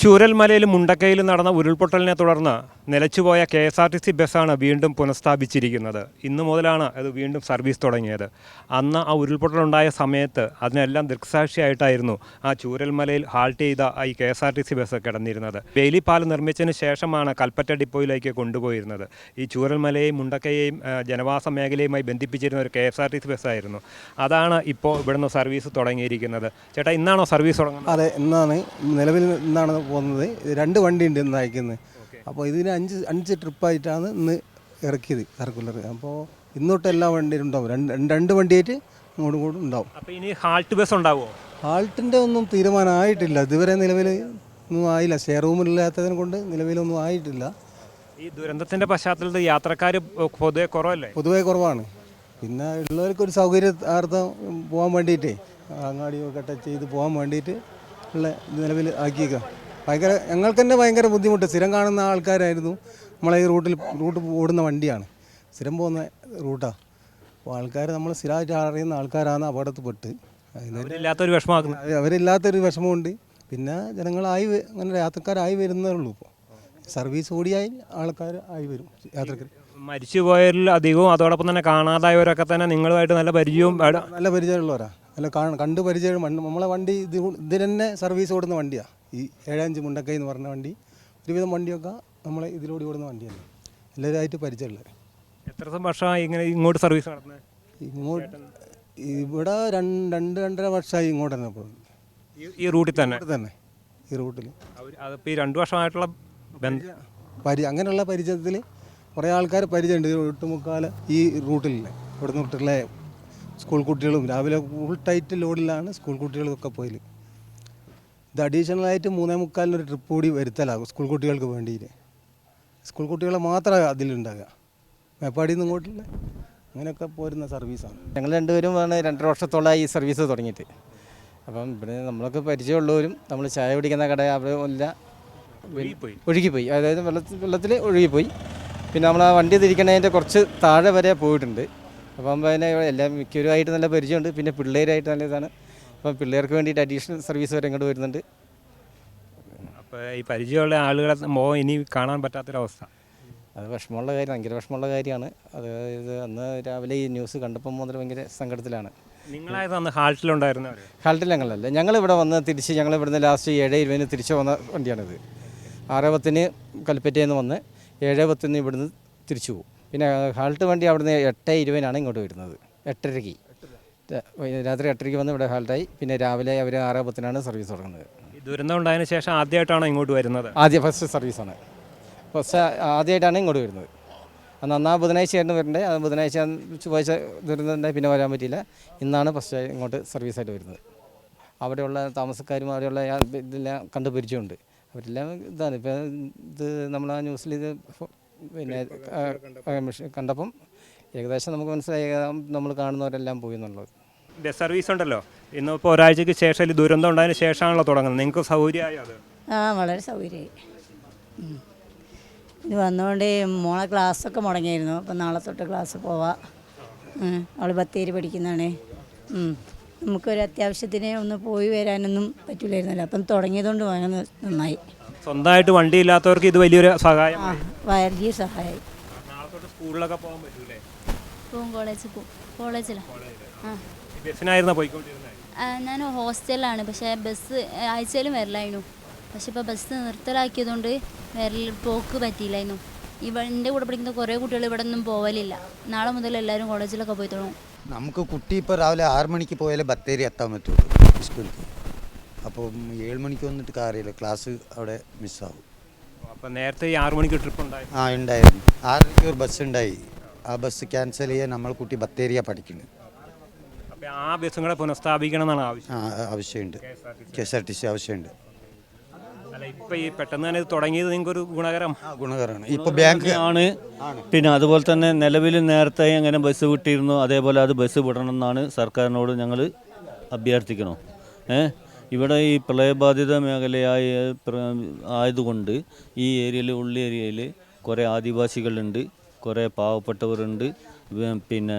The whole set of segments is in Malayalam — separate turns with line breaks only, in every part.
ചൂരൽമലയിൽ മുണ്ടക്കയിൽ നടന്ന ഉരുൾപൊട്ടലിനെ തുടർന്ന് നിലച്ചുപോയ KSRTC ബസ്സാണ് വീണ്ടും പുനഃസ്ഥാപിച്ചിരിക്കുന്നത്. ഇന്നു മുതലാണ് അത് വീണ്ടും സർവീസ് തുടങ്ങിയത്. അന്ന് ആ ഉരുൾപൊട്ടലുണ്ടായ സമയത്ത് അതിനെല്ലാം ദൃക്സാക്ഷിയായിട്ടായിരുന്നു ആ ചൂരൽമലയിൽ ഹാൾട്ട് ചെയ്ത ഈ KSRTC ബസ് കിടന്നിരുന്നത്. വേലിപ്പാലം നിർമ്മിച്ചതിന് ശേഷമാണ് കൽപ്പറ്റ ഡിപ്പോയിലേക്ക് കൊണ്ടുപോയിരുന്നത്. ഈ ചൂരൽമലയെയും മുണ്ടക്കയെയും ജനവാസ മേഖലയുമായി ബന്ധിപ്പിച്ചിരുന്ന ഒരു KSRTC ബസ്സായിരുന്നു. അതാണ് ഇപ്പോൾ ഇവിടുന്ന് സർവീസ് തുടങ്ങിയിരിക്കുന്നത്. ചേട്ടാ, ഇന്നാണോ സർവീസ് തുടങ്ങുന്നത്?
അതെ, ഇന്നാണ്. നിലവിൽ ഇന്നാണ് പോകുന്നത്. 2 വണ്ടിയുണ്ട് ഇന്ന് അയക്കുന്നത്. അപ്പോൾ ഇതിന് 5 ട്രിപ്പായിട്ടാണ് ഇന്ന് ഇറക്കിയത് സർക്കുലർ. അപ്പോൾ ഇന്നോട്ട് എല്ലാ വണ്ടിയും ഉണ്ടാവും. രണ്ട് വണ്ടിയായിട്ട് ഇങ്ങോട്ടും കൂടെ ഉണ്ടാവും.
അപ്പോൾ ഇനി ഹാൾട്ട് ബസ് ഉണ്ടാവുമോ?
ഹാൾട്ടിൻ്റെ ഒന്നും തീരുമാനമായിട്ടില്ല. ഇതുവരെ നിലവിൽ ഒന്നും ആയില്ല. ഷെയർ റൂമില്ലാത്തതിനെ കൊണ്ട് നിലവിലൊന്നും ആയിട്ടില്ല.
ഈ ദുരന്തത്തിൻ്റെ പശ്ചാത്തലത്തിൽ യാത്രക്കാർ പൊതുവെ കുറവല്ലേ?
പൊതുവേ കുറവാണ്. പിന്നെ ഉള്ളവർക്കൊരു സൗകര്യാർത്ഥം പോകാൻ വേണ്ടിയിട്ടേ അങ്ങാടിയൊക്കെ ടച്ച് ചെയ്ത് പോകാൻ വേണ്ടിയിട്ട് ഉള്ള നിലവിൽ ആക്കിയേക്കുക. ഞങ്ങൾക്ക് തന്നെ ഭയങ്കര ബുദ്ധിമുട്ട്. സ്ഥിരം കാണുന്ന ആൾക്കാരായിരുന്നു. നമ്മളെ ഈ റൂട്ട് ഓടുന്ന വണ്ടിയാണ്, സ്ഥിരം പോകുന്ന റൂട്ടാണ്. അപ്പോൾ ആൾക്കാർ നമ്മൾ സ്ഥിരമായിട്ട് അറിയുന്ന ആൾക്കാരാണ് അപകടത്തിൽപ്പെട്ട് അവരില്ലാത്തൊരു വിഷമമുണ്ട്. പിന്നെ ജനങ്ങളായി അങ്ങനെ യാത്രക്കാരായി വരുന്നേ ഉള്ളൂ. ഇപ്പോൾ സർവീസ് കൂടിയായി ആൾക്കാർ ആയി വരും. യാത്രക്കാർ
മരിച്ചുപോയവരിൽ അധികവും അതോടൊപ്പം തന്നെ കാണാതായവരൊക്കെ തന്നെ നിങ്ങളുമായിട്ട് നല്ല
പരിചയമുള്ളവരാ. അല്ല, കണ്ട് പരിചയം. നമ്മളെ വണ്ടി ഇതിൽ തന്നെ സർവീസ് ഓടുന്ന വണ്ടിയാണ്. ഈ 75 മുണ്ടക്കൈ എന്ന് പറഞ്ഞ വണ്ടി. ഒരുവിധം വണ്ടിയൊക്കെ നമ്മളെ ഇതിലൂടെ ഓടുന്ന വണ്ടിയാണ്. എല്ലാവരുമായിട്ട് പരിചയമുള്ളത്.
എത്ര വർഷമായി ഇങ്ങനെ ഇങ്ങോട്ട് സർവീസ് നടത്തുന്നത്?
ഇവിടെ 2-2.5 വർഷമായി ഇങ്ങോട്ട് തന്നെ പോകുന്നത്.
ഈ റൂട്ടിൽ തന്നെ
ഈ റൂട്ടിൽ
അതിപ്പോൾ ഈ 2 വർഷമായിട്ടുള്ള
അങ്ങനെയുള്ള പരിചയത്തിൽ കുറേ ആൾക്കാർ പരിചയമുണ്ട്. ഒട്ടുമുക്കാൽ ഈ റൂട്ടിലില്ലേ, ഇവിടെ നിന്നിട്ടുള്ള സ്കൂൾ കുട്ടികളും രാവിലെ ഫുൾ ടൈറ്റ് ലോഡിലാണ് സ്കൂൾ കുട്ടികളൊക്കെ പോയില്. ഇത് അഡീഷണലായിട്ട് 3:45 ട്രിപ്പ് കൂടി വരുത്തലാകും സ്കൂൾ കുട്ടികൾക്ക് വേണ്ടിയിട്ട്. സ്കൂൾ കുട്ടികളെ മാത്രമേ അതിലുണ്ടാകുക. മേപ്പാടിയിൽ നിന്ന് ഇങ്ങോട്ടുള്ള അങ്ങനെയൊക്കെ പോരുന്ന സർവീസാണ്.
ഞങ്ങൾ രണ്ടുപേരും 2 വർഷത്തോളമായി ഈ സർവീസ് തുടങ്ങിയിട്ട്. അപ്പം ഇവിടെ നമ്മളൊക്കെ പരിചയമുള്ളവരും നമ്മൾ ചായ കുടിക്കുന്ന കട അവരെല്ലാം ഒഴുകിപ്പോയി. അതായത് വെള്ളത്തിൽ ഒഴുകിപ്പോയി. പിന്നെ നമ്മൾ ആ വണ്ടി തിരിക്കണതിൻ്റെ കുറച്ച് താഴെ വരെ പോയിട്ടുണ്ട്. അപ്പം അതിനെ എല്ലാം മിക്കവരുമായിട്ട് നല്ല പരിചയമുണ്ട്. പിന്നെ പിള്ളേരായിട്ട് നല്ല ഇതാണ്. അപ്പം പിള്ളേർക്ക് വേണ്ടിയിട്ട് അഡീഷണൽ സർവീസ് വരെ ഇങ്ങോട്ട് വരുന്നുണ്ട്.
അപ്പോൾ ഈ പരിചയമുള്ള ആളുകളെ ഇനി കാണാൻ പറ്റാത്തൊരവസ്ഥ,
അത് വിഷമമുള്ള കാര്യം, ഭയങ്കര വിഷമമുള്ള കാര്യമാണ്. അതായത് അന്ന് രാവിലെ ഈ ന്യൂസ് കണ്ടപ്പോൾ മുതൽ ഭയങ്കര സങ്കടത്തിലാണ്.
നിങ്ങളായത് അന്ന് ഹാൾട്ടിലുണ്ടായിരുന്നവർ?
ഹാൾട്ടിൽ ഞങ്ങളല്ല, ഞങ്ങളിവിടെ വന്ന് തിരിച്ച് ഞങ്ങളിവിടുന്ന് ലാസ്റ്റ് 7:20 തിരിച്ച് വന്ന വണ്ടിയാണിത്. 6:10 കൽപ്പറ്റയിൽ നിന്ന് വന്ന് 7:10 ഇവിടുന്ന് തിരിച്ചു പോകും. പിന്നെ ഹാൾട്ട് വണ്ടി അവിടുന്ന് 8:20 ഇങ്ങോട്ട് വരുന്നത്. 8:30 രാത്രി 8:30 വന്ന് ഇവിടെ ഹാൾട്ടായി. പിന്നെ രാവിലെ അവർ 6:10 സർവീസ് തുടങ്ങുന്നത്.
ഈ ദുരന്തം ഉണ്ടായതിനു ശേഷം ആദ്യമായിട്ടാണോ ഇങ്ങോട്ട് വരുന്നത്?
ഫസ്റ്റ് സർവീസാണ്. ആദ്യമായിട്ടാണ് ഇങ്ങോട്ട് വരുന്നത്. അന്ന് ബുധനാഴ്ചയായിരുന്നു വരേണ്ടത്. അത് ബുധനാഴ്ച ചൊവ്വാഴ്ച ദുരന്തം പിന്നെ വരാൻ പറ്റിയില്ല. ഇന്നാണ് ഫസ്റ്റ് ഇങ്ങോട്ട് സർവീസായിട്ട് വരുന്നത്. അവിടെയുള്ള താമസക്കാരും അവിടെയുള്ള ഇതെല്ലാം കണ്ടു പരിചയമുണ്ട്. അവരെല്ലാം ഇതാണ്. ഇപ്പം ഇത് നമ്മൾ ആ ന്യൂസിൽ ഇത് പിന്നെ കണ്ടപ്പം ഏകദേശം നമുക്ക് മനസ്സിലായി നമ്മൾ കാണുന്നവരെല്ലാം പോയി എന്നുള്ളത്.
ബസ് സർവീസ് ഉണ്ടല്ലോ, ഇന്നിപ്പോൾ ഒരാഴ്ചയ്ക്ക് ശേഷം ഈ ദുരന്തം ഉണ്ടായതിന് ശേഷമാണല്ലോ തുടങ്ങുന്നത്. നിങ്ങൾക്ക് സൗകര്യമായോ അത്?
വളരെ സൗകര്യമായി. ഇത് വന്നുകൊണ്ട് മോളെ ക്ലാസ്സൊക്കെ മുടങ്ങിയായിരുന്നു. അപ്പം നാളെ തൊട്ട് ക്ലാസ് പോവാം. അവൾ ബത്തേരി പഠിക്കുന്നതാണ്. നമുക്കൊരു അത്യാവശ്യത്തിന് ഒന്ന് പോയി വരാനൊന്നും പറ്റില്ലായിരുന്നല്ലോ. അപ്പം തുടങ്ങിയതുകൊണ്ട് വളരെ നന്നായി.
സ്വന്തമായിട്ട് വണ്ടി ഇല്ലാത്തവർക്ക് ഇത് വലിയൊരു സഹായം,
വലിയ സഹായമായി.
നാളെ തൊട്ട് സ്കൂളിലൊക്കെ പോകാൻ പറ്റൂലേ?
കോളേജിലാണ്.
ബസ്സിനായിരുന്നോ പോയിക്കൊണ്ടിരുന്നത്?
ഞാൻ ഹോസ്റ്റലിലാണ്. പക്ഷേ ബസ് ആഴ്ചയിലും വരലായിരുന്നു. പക്ഷെ ഇപ്പോൾ ബസ് നിർത്തലാക്കിയതുകൊണ്ട് പോക്ക് പറ്റിയില്ലായിരുന്നു. എൻ്റെ കൂടെ പഠിക്കുന്ന കുറേ കുട്ടികൾ ഇവിടെ ഒന്നും പോവലില്ല. നാളെ മുതൽ എല്ലാവരും കോളേജിലൊക്കെ പോയി തുടങ്ങും.
നമുക്ക് കുട്ടി ഇപ്പോൾ രാവിലെ 6 മണിക്ക് പോയാലേ ബത്തേരി എത്താൻ പറ്റുള്ളൂ സ്കൂളിൽ. അപ്പോൾ 7 മണിക്ക് വന്നിട്ട് കാര്യമില്ല, ക്ലാസ് അവിടെ മിസ്സാവും.
അപ്പോൾ നേരത്തെ 6 മണിക്ക് ട്രിപ്പ് ഉണ്ടായി?
ഉണ്ടായിരുന്നു. 6:00 ഒരു ബസ് ഉണ്ടായി. ആ ബസ് ക്യാൻസൽ ചെയ്യാൻ നമ്മൾ കുട്ടി ബത്തേരിയാണ് പഠിക്കുന്നത്.
അപ്പോൾ ആ ബസ്സും കൂടെ പുനഃസ്ഥാപിക്കണം എന്നാണ്
ആവശ്യമുണ്ട്. KSRTC ആവശ്യമുണ്ട്.
അല്ല, ഇപ്പോൾ ഈ പെട്ടെന്ന് തന്നെ ഇത് തുടങ്ങിയത് നിങ്ങൾക്കൊരു ഗുണകരമാണ്.
ഇപ്പോൾ ബാങ്ക്
ആണ്. പിന്നെ അതുപോലെ തന്നെ നിലവിൽ നേരത്തെ എങ്ങനെ ബസ് വിട്ടിരുന്നു അതേപോലെ അത് ബസ് വിടണം എന്നാണ് സർക്കാരിനോട് ഞങ്ങൾ അഭ്യർത്ഥിക്കണം. ഇവിടെ ഈ പ്രളയബാധിത ആയതുകൊണ്ട് ഈ ഏരിയയിൽ ഉള്ള ഏരിയയിൽ കുറേ ആദിവാസികളുണ്ട്, കുറേ പാവപ്പെട്ടവരുണ്ട്, പിന്നെ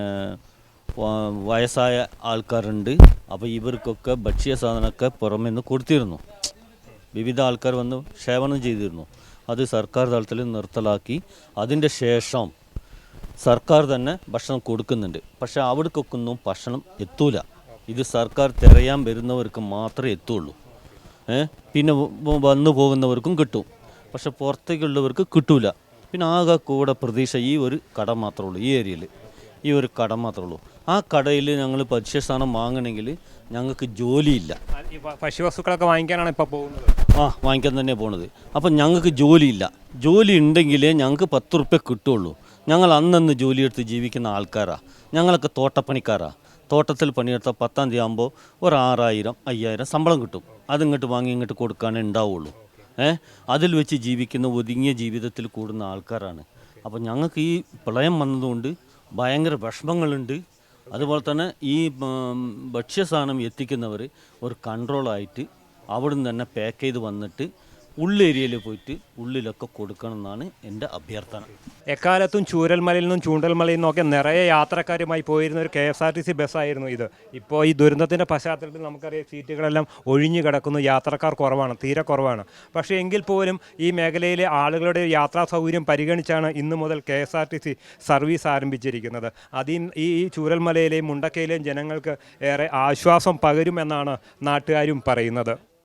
വയസ്സായ ആൾക്കാരുണ്ട്. അപ്പോൾ ഇവർക്കൊക്കെ ഭക്ഷ്യ സാധനമൊക്കെ പുറമെ നിന്ന് കൊടുത്തിരുന്നു. വിവിധ ആൾക്കാർ വന്ന് സേവനം ചെയ്തിരുന്നു. അത് സർക്കാർ തലത്തിൽ നിർത്തലാക്കി അതിൻ്റെ ശേഷം സർക്കാർ തന്നെ ഭക്ഷണം കൊടുക്കുന്നുണ്ട്. പക്ഷേ അവിടേക്കൊന്നും ഭക്ഷണം എത്തൂല. ഇത് സർക്കാർ തിരയാൻ വരുന്നവർക്ക് മാത്രമേ എത്തുള്ളൂ. പിന്നെ വന്നു പോകുന്നവർക്കും കിട്ടും, പക്ഷെ പുറത്തേക്കുള്ളവർക്ക് കിട്ടൂല. പിന്നെ ആകെ കൂടെ പ്രതീക്ഷ ഈ ഒരു കട മാത്രമേ ഉള്ളൂ. ഈ ഏരിയയിൽ ഈ ഒരു കട മാത്രമേ ഉള്ളൂ. ആ കടയിൽ ഞങ്ങൾ ഭക്ഷ്യസാധനം വാങ്ങണമെങ്കിൽ ഞങ്ങൾക്ക് ജോലിയില്ല.
ഈ ഭക്ഷ്യവസ്തുക്കളൊക്കെ വാങ്ങിക്കാനാണ് ഇപ്പോൾ പോകുന്നത്.
വാങ്ങിക്കാൻ തന്നെ പോണത്. അപ്പം ഞങ്ങൾക്ക് ജോലിയില്ല. ജോലി ഉണ്ടെങ്കിലേ ഞങ്ങൾക്ക് 10 റുപ്യ കിട്ടുള്ളൂ. ഞങ്ങൾ അന്നന്ന് ജോലിയെടുത്ത് ജീവിക്കുന്ന ആൾക്കാരാണ്. ഞങ്ങളൊക്കെ തോട്ടപ്പണിക്കാരാണ്. തോട്ടത്തിൽ പണിയെടുത്താൽ 10-ാം തീയതി ആകുമ്പോൾ ഒരു 6000 5000 ശമ്പളം കിട്ടും. അതിങ്ങോട്ട് വാങ്ങി ഇങ്ങോട്ട് കൊടുക്കാനേ ഉണ്ടാവുള്ളൂ. അതിൽ വെച്ച് ജീവിക്കുന്ന ഒതുങ്ങിയ ജീവിതത്തിൽ കൂടുന്ന ആൾക്കാരാണ്. അപ്പോൾ ഞങ്ങൾക്ക് ഈ പ്രളയം വന്നതുകൊണ്ട് ഭയങ്കര വിഷമങ്ങളുണ്ട്. അതുപോലെ തന്നെ ഈ ഭക്ഷ്യസാധനം എത്തിക്കുന്നവർ ഒരു കൺട്രോളായിട്ട് അവിടുന്ന് തന്നെ പാക്ക് ചെയ്ത് വന്നിട്ട് ഉള്ളേരിയയിൽ പോയിട്ട് ഉള്ളിലൊക്കെ കൊടുക്കണം എന്നാണ് എൻ്റെ അഭ്യർത്ഥന.
എക്കാലത്തും ചൂരൽമലയിൽ നിന്നും ചൂണ്ടൽമലയിൽ നിന്നൊക്കെ നിറയെ യാത്രക്കാരുമായി പോയിരുന്ന ഒരു KSRTC ബസ്സായിരുന്നു ഇത്. ഇപ്പോൾ ഈ ദുരന്തത്തിൻ്റെ പശ്ചാത്തലത്തിൽ നമുക്കറിയാം സീറ്റുകളെല്ലാം ഒഴിഞ്ഞു കിടക്കുന്നു, യാത്രക്കാർ കുറവാണ്, തീരെ കുറവാണ്. പക്ഷേ എങ്കിൽ പോലും ഈ മേഖലയിലെ ആളുകളുടെ യാത്രാ സൗകര്യം പരിഗണിച്ചാണ് ഇന്നു മുതൽ KSRTC സർവീസ് ആരംഭിച്ചിരിക്കുന്നത്. ഈ ചൂരൽമലയിലെയും മുണ്ടക്കയിലെയും ജനങ്ങൾക്ക് ഏറെ ആശ്വാസം പകരുമെന്നാണ് നാട്ടുകാരും പറയുന്നത്.